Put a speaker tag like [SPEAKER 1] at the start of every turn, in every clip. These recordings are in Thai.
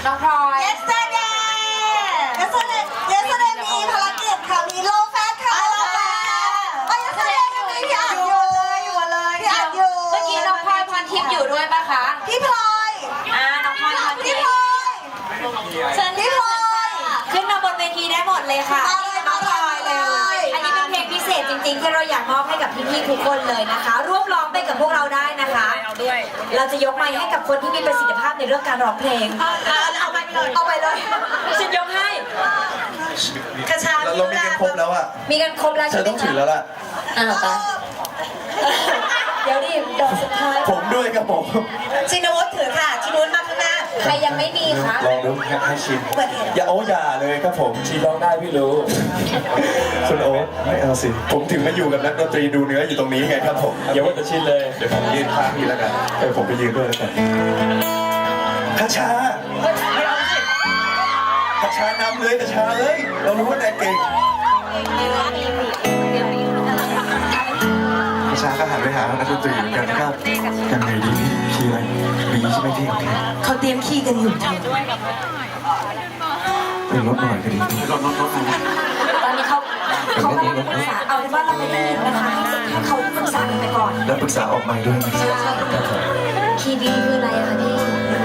[SPEAKER 1] น้องพลอย
[SPEAKER 2] yesterday มีภารกิจค่ะมีโลแฟตค่ะโลแฟตyesterday มีพี่อ่านอยู่เลยพี่อ่านอยู่
[SPEAKER 1] เมื่อกี้น้องพลอยพรทิพย์อยู่ด้วยปะคะ
[SPEAKER 2] พี่พลอย
[SPEAKER 1] น้องพลอยพรทิ
[SPEAKER 2] พี่
[SPEAKER 1] พ
[SPEAKER 2] พล
[SPEAKER 1] ย์
[SPEAKER 2] อย
[SPEAKER 1] เชิญพี่พลอยขึ้นมาบนเวทีได้หมดเลยค่ะ
[SPEAKER 2] น้องพลอยเลย
[SPEAKER 1] อันนี้เป็นเพลงพิเศษจริงๆที่เราอยากมอบให้กับพี่ๆทุกคนเลยนะคะร่วมร้องไปกับพวกเราได้นะคะเราจะยกไมค์ให้กับคนที่มีประสิทธิภาพในเรื่องการร้องเพลงเอาไปเลยฉันยกให้กระชา
[SPEAKER 3] เรามีกันครบแล้วอ่ะ
[SPEAKER 1] มีกันครบแล้ว
[SPEAKER 3] เธอต้องถือแล้วล่ะ
[SPEAKER 1] ไปเดี๋ยวดิดอกสุดท้าย
[SPEAKER 3] ผมด้วยครับผม
[SPEAKER 2] ชินวุฒิถือค่ะชินวุฒิมาข้างหน้า
[SPEAKER 1] ใครยังไม่มีคะ
[SPEAKER 3] ลองดูให้ชิมอย่าเลยครับผมชิมลองได้พี่รู้คุณโอ๊ตไม่เอาสิผมถึงมาอยู่กับนักดนตรีดูเนื้ออยู่ตรงนี้ไงครับผมอย่าว่าแต่ชินเลยเดี๋ยวผมยืนข้างพี่แล้วกันผมไปยืนด้วยแล้วกันคาชาคาชานำเลยคาชาเอ้ยเรารู้ว่านายเก่งคาชาก็หันไปหานักดนตรีเหมือนกันนะครับยังไงดีคีย์อะไรบีใช่ไหมพี่
[SPEAKER 2] เขาเตรียมขี้กันอยู่เธอ
[SPEAKER 3] เป็นรถหน่อยก็ดีรถ
[SPEAKER 1] ตอนนี้เขากำลังปรึกษาเอาเป็นว่าเราไม่ได้ยินนะคะให้เขาปรึกษากันไปก่อน
[SPEAKER 3] แล้วปรึกษาออกมาด้วยนะ
[SPEAKER 1] คีย์บีคืออะไรอะคะพี่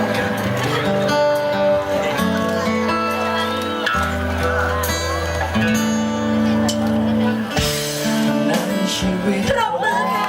[SPEAKER 1] ปรบมือค่ะ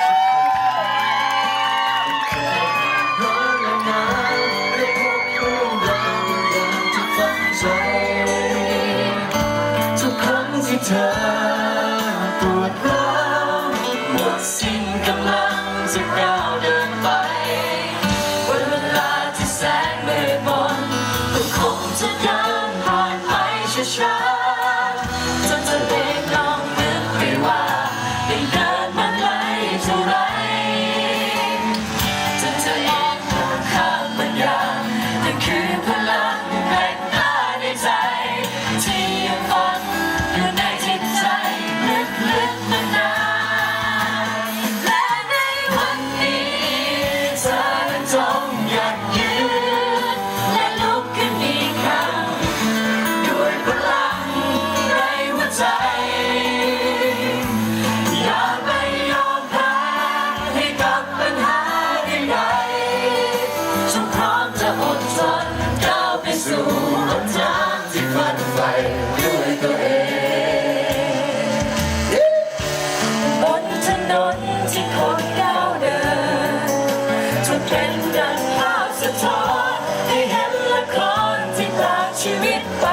[SPEAKER 3] ทุกครั้งที่เธอปวดร้าวหมดสิ้นกำลังจะก้าวเดินไปวันเวลาที่แสนมืดมนก็คงจะเดินผ่านไปช้าๆจนเธอเองลองนึกไปว่าได้เดินมาไกลเท่าไรจนเธอเองมองข้ามมันอย่างนั่นคือพลังแห่งตาในใจที่ยังฝันอยู่ในจิตใจลึกๆมานานและในวันนี้เธอนั้นจงยั่งยืนและลุกขึ้นอีกครั้งด้วยพลังในหัวใจอย่าไปยอมแพ้ให้กับปัญหาใดๆจงพร้อมจะอดทนก้าวไปสู่หนทางที่ฝันใฝ่ด้วยตัวเองบนถนนที่คนก้าวเดินจนเป็นดังภาพสะท้อนให้เห็นละครที่พลากชีวิตไป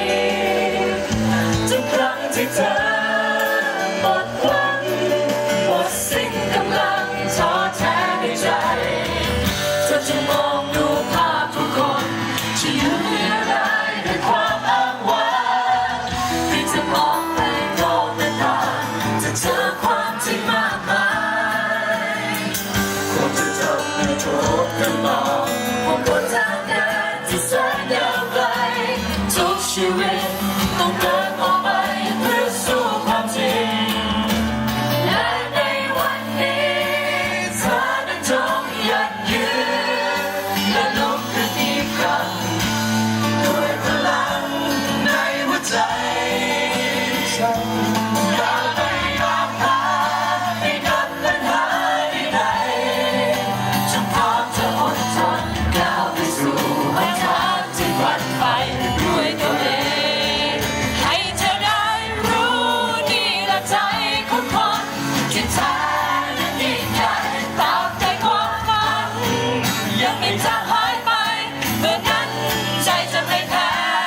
[SPEAKER 3] ทุกครั้งที่เธอหมดหวังหมดสิ้นกำลังท้อแท้ในใจเธอจะมองดูภาพทุกคนที่อยู่เรียรายด้วยความอ้างว้างที่จะมองไปโลกหน้าต่างจะเจอความจริงมากมายควรจะทำให้ทุกคนมองว่าบนทางเดินที่แสนยาวไกลทุกชีวิตต้องเดินออกไปเพื่อสู้ความจริงและในวันนี้เธอนั้นจงยั่งยืนและลุกขึ้นอีกครั้งด้วยพลังในหัวใจอย่าไปยอมแพ้ให้กับปัญหาใดๆจงพร้อมจะอดทนก้าวไปสู่หนทางที่ฝันใฝ่ด้วยตัวเองให้เธอได้รู้นี่แหละใจของคนที่แท้นั้นยิ่งใหญ่ตราบใดความฝันยังไม่จางหายไปเมื่อนั้นใจจะไม่แพ้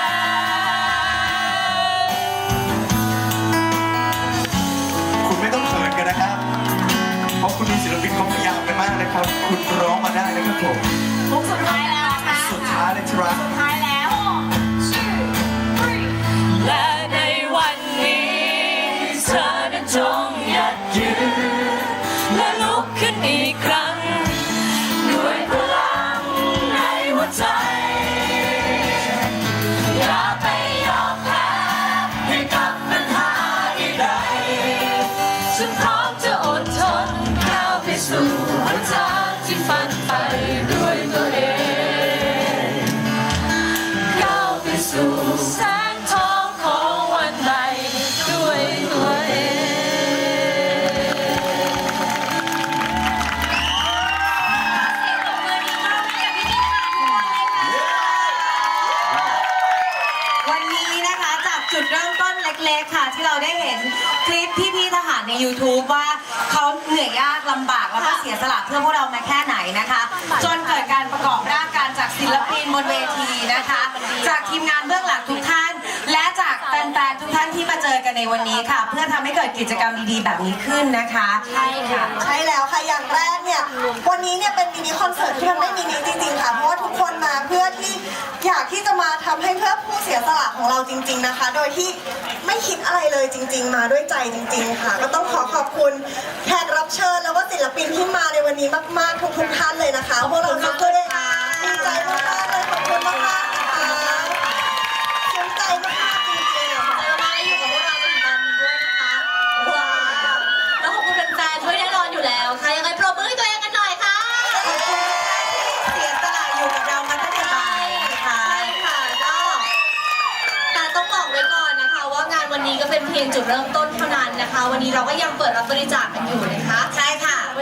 [SPEAKER 3] คุณไม่ต้องเขินกันนะครับ เพราะคุณดูศิลปินเขาพยายามกันมากนะครับ คุณร้องมาได้นะครับผม
[SPEAKER 1] มุกสุดท้ายแล้วค่ะ
[SPEAKER 3] สุดท้ายเลยครับ
[SPEAKER 1] สุดท้ายแล้วและในวันนี้เธอนั้นจงยั่งยืนและลุกขึ้นอีกครั้งด้วยพลังในหัวใจอย่าไปยอมแพ้ให้กับปัญหาใดๆฉันพร้อมจะอดทนก้าวไปสู่หนทางที่ฝันใฝ่ด้วยตัวเอง
[SPEAKER 2] ที่เราได้เห็นคลิปพี่ๆทหารใน YouTube ว่าเขาเหนื่อยยากลำบากแล้วก็เสียสละเพื่อพวกเรามาแค่ไหนนะคะ จนเกิดการประกอบร่างกันจากศิลปินบนเวทีนะคะ จากทีมงานเบื้องหลังทุกท่าน และจากแฟนๆทุกท่านที่มาเจอกันในวันนี้ค่ะ เพื่อทำให้เกิดกิจกรรมดีๆแบบนี้ขึ้นนะคะ
[SPEAKER 1] ใช่ค่ะ
[SPEAKER 4] ใช่แล้วค่ะ อย่างแรกเนี่ย วันนี้เนี่ยเป็นมินิคอนเสิร์ตที่มันไม่มินิจริงๆค่ะ เพราะว่าทุกคนมาเพื่อที่อยากที่จะมาทำให้เพื่อผู้เสียสละของเราจริง ๆนะคะ โดยที่ไม่คิดอะไรเลยจริง ๆ มาด้วยใจจริง ๆ ค่ะ ก็ต้องขอขอบคุณแขกรับเชิญแล้วก็ศิลปินที่มาในวันนี้มากๆทุกๆท่านเลยนะคะพวกเราทุกคนดีใจมากๆเลยขอบคุณมากๆนะคะภูมิใจมากๆจริงๆ
[SPEAKER 1] ใจมากๆอยู่กับพวกเราจนถึงตอนนี้ด้วยนะคะว้าวแล้วขอบคุณแฟนๆด้วยแน่นอนอยู่แล้วค่ะยังไงปรบมือให้ตัวเองกันหน่อยค่ะ
[SPEAKER 2] ขอบคุณที่เสียสละอยู่กับเรามาตั้งแต่บ่ายนะคะ
[SPEAKER 1] ใช่ค่ะก็แต่ต้องบอกไว้ก่อนนะคะ ว่างานวันนี้ก็เป็นเพียงจุดเริ่มต้นเท่านั้นนะคะ วันนี้เราก็ยังเปิดรับบริจาคกันอยู่นะคะ
[SPEAKER 2] ใช่ค่ะ